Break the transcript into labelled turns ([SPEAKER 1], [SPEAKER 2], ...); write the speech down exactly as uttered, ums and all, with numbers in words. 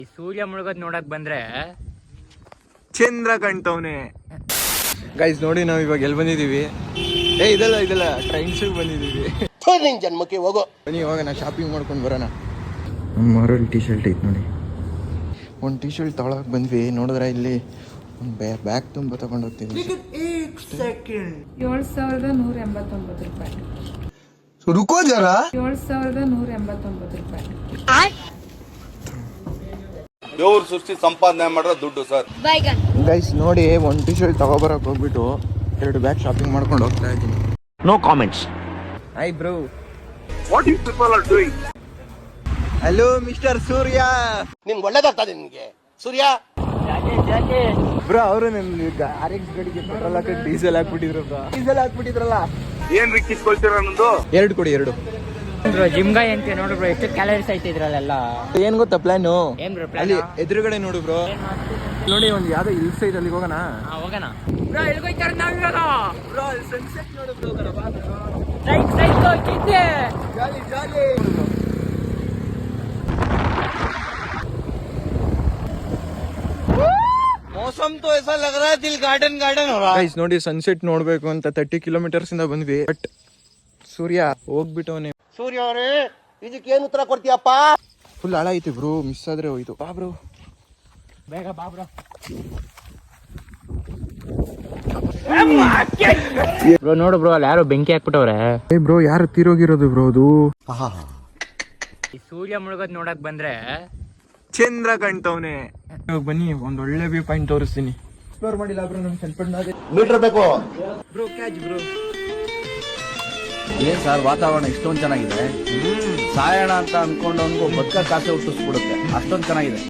[SPEAKER 1] ಈ ಸೂರ್ಯ ಮುಳುಗೋದ್ ನೋಡಕ್ ಬಂದ್ರೆ
[SPEAKER 2] ಚಂದ್ರ ಕಾಣ್ತವನೆ. ಗೈಸ್ ನೋಡಿ ನಾವು ಇವಾಗ ಎಲ್ಲಿ ಬಂದಿದೀವಿ? ಏ ಇದಲ್ಲ ಇದಲ್ಲ ಟ್ರೈನ್ಸ್ ಬಂದಿದೀವಿ.
[SPEAKER 3] ಜನ್ಮಕ್ಕೆ ಹೋಗೋ
[SPEAKER 2] ಬನ್ನಿ ಇವಾಗ ನಾ ಶಾಪಿಂಗ್ ಮಾಡ್ಕೊಂಡು ಬರೋಣ. ನಮ್ಮ ಮಾರಲ್ಲಿ ಟಿ ಶರ್ಟ್ ಐತೆ ನೋಡಿ. ಒಂದು ಟಿ ಶರ್ಟ್ ತಗೊಳಕ್ ಬಂದ್ವಿ, ನೋಡಿದ್ರೆ ಇಲ್ಲಿ ಒಂದು ಬ್ಯಾಗ್ ತುಂಬ ತಗೊಂಡು ಹೋಗ್ತೀವಿ.
[SPEAKER 4] ಏಳು ಸಾವಿರದ ನೂರ ಎಂಬತ್ತೊಂಬತ್ತು ರೂಪಾಯಿ.
[SPEAKER 3] ರುಕೋ ಜರ
[SPEAKER 4] ಏಳು ಸಾವಿರದ ನೂರ ಎಂಬತ್ತೊಂಬತ್ತು ರೂಪಾಯಿ.
[SPEAKER 5] ದೇವ್ರ ಸೃಷ್ಟಿ ಸಂಪಾದನೆ ಮಾಡೋ ದುಡ್ಡು ಸರ್.
[SPEAKER 2] ಗೈಸ್ ನೋಡಿ ಒಂದು ಟಿ ಶರ್ಟ್ ತಗೋಬರಕ್ಕೆ ಹೋಗ್ಬಿಟ್ಟು ಎರಡು ಬ್ಯಾಗ್ ಶಾಪಿಂಗ್ ಮಾಡ್ಕೊಂಡು ಹೋಗ್ತಾ ಇದ್ದೀನಿ.
[SPEAKER 1] No comments.
[SPEAKER 2] Hi bro,
[SPEAKER 5] what you people are doing?
[SPEAKER 2] Hello mister Surya.
[SPEAKER 3] ನಿನ್ ಒಳ್ಳೇದಾಗ್ತದೆ ನಿನ್ಗೆ ಸೂರ್ಯ.
[SPEAKER 2] ಬ್ರೋ ಅವರು ನನ್ನ ಆರ್ ಎಕ್ಸ್ ಗಾಡಿಗೆ ಪೆಟ್ರೋಲ್ ಹಾಕಿ ಡೀಸೆಲ್ ಹಾಕ್ಬಿಟ್ಟಿದ್ರು ಬ್ರೋ. ಡೀಸೆಲ್ ಹಾಕ್ಬಿಟ್ಟಿದ್ರಲ್ಲ.
[SPEAKER 5] ಏನ್ ರಿಕ್ಕಿಸ್ಕೊಳ್ತೀರ ಅನ್ನೋದು?
[SPEAKER 2] ಎರಡು ಕೊಡಿ ಎರಡು.
[SPEAKER 1] ಬ್ರೋ ಜಿಮ್ಗಾಯ್ ಅಂತ ನೋಡು ಬ್ರೋ, ಎಷ್ಟು ಕ್ಯಾಲರೀಸ್ ಐತೆ ಇದ್ರಲ್ಲೆಲ್ಲ.
[SPEAKER 2] ಏನ್ ಗೊತ್ತಾ ಪ್ಲಾನು?
[SPEAKER 1] ಏನ್ ಬ್ರೋ ಪ್ಲಾನ್?
[SPEAKER 2] ಅಲ್ಲಿ ಎದುರುಗಡೆ ನೋಡು ಬ್ರೋ, ನೋಡಿ ಒಂದು ಯಾವ್ದೋ ಹಿಲ್ಸ್ ಐತೆ, ಅಲ್ಲಿಗೆ ಹೋಗೋಣ.
[SPEAKER 1] ಹೋಗೋಣ ಬ್ರೋ. ಎಲ್ಗೋಯ್ತಾರ ನಾವಿರೋಣ
[SPEAKER 2] ಬ್ರೋ ಅಲ್ಲಿ ಸನ್ಸೆಟ್ ನೋಡು ಬ್ರೋ.
[SPEAKER 1] ಸೈಕ್ ಸೈಕ್ ಹೋಗಿದ್ದೆ.
[SPEAKER 2] ಜಾಲಿ ಜಾಲಿ.
[SPEAKER 5] ಮೌಸಮ್ ತೋ ऐसा लग रहा है दिल गार्डन गार्डन हो रहा है.
[SPEAKER 2] ಗೈಸ್ ನೋಡಿ ಸನ್ಸೆಟ್ ನೋಡ್ಬೇಕು ಅಂತ ತರ್ಟಿ ಕಿಲೋಮೀಟರ್ಸ್ ಇಂದ ಬಂದ್ವಿ, ಬಟ್ ಸೂರ್ಯ ಹೋಗ್ಬಿಟ್ಟವನೆ.
[SPEAKER 3] ಸೂರ್ಯ ಅವರೇ ಇದಕ್ಕೇನು ಉತ್ತರ ಕೊಡ್ತೀಯಪ್ಪ?
[SPEAKER 2] ಫುಲ್ ಹಾಳ ಐತಿ ಬ್ರೋ, ಮಿಸ್ ಆದ್ರೆ ಹೋಯ್ತು. ಬಾ ಬ್ರೋ,
[SPEAKER 1] ಬೇಗ ಬಾ ಬ್ರೋ. ಬ್ರೋ ನೋಡು ಬ್ರೋ, ಅಲ್ಲಿ ಯಾರು ಬೆಂಕಿ ಹಾಕ್ಬಿಟ್ಟವ್ರೆ.
[SPEAKER 2] ಏ ಬ್ರೋ ಯಾರು ತೀರೋಗಿರೋದು ಬ್ರೋ ಅದು?
[SPEAKER 1] ಈ ಸೂರ್ಯ ಮುಳುಗೋದ್ ನೋಡಕ್ ಬಂದ್ರೆ
[SPEAKER 2] ಚಂದ್ರ ಕಾಣ್ತವನೆ. ಬನ್ನಿ ಒಂದ್ ಒಳ್ಳೆ ವ್ಯೂ ಪಾಯಿಂಟ್ ತೋರಿಸ್ತೀನಿ. ಎಕ್ಸ್ಪ್ಲೋರ್ ಮಾಡಿಲ್ಲ ಬ್ರೋ, ನಮ್ ಚನ್ನಪಟ್ಟಣ
[SPEAKER 3] ಮೀಟರ್ ಬೇಕು
[SPEAKER 2] ಬ್ರೋ. Catch bro.
[SPEAKER 6] ಏನ್ ಸರ್ ವಾತಾವರಣ ಇಷ್ಟೊಂದು ಚೆನ್ನಾಗಿದೆ, ಸಾಯೋಣ ಅಂತ ಅನ್ಕೊಂಡವನ್ಗೂ ಬದುಕ ಕಾಸೆ ಹುಟ್ಟಿಸ್ಬಿಡುತ್ತೆ, ಅಷ್ಟೊಂದು ಚೆನ್ನಾಗಿದೆ.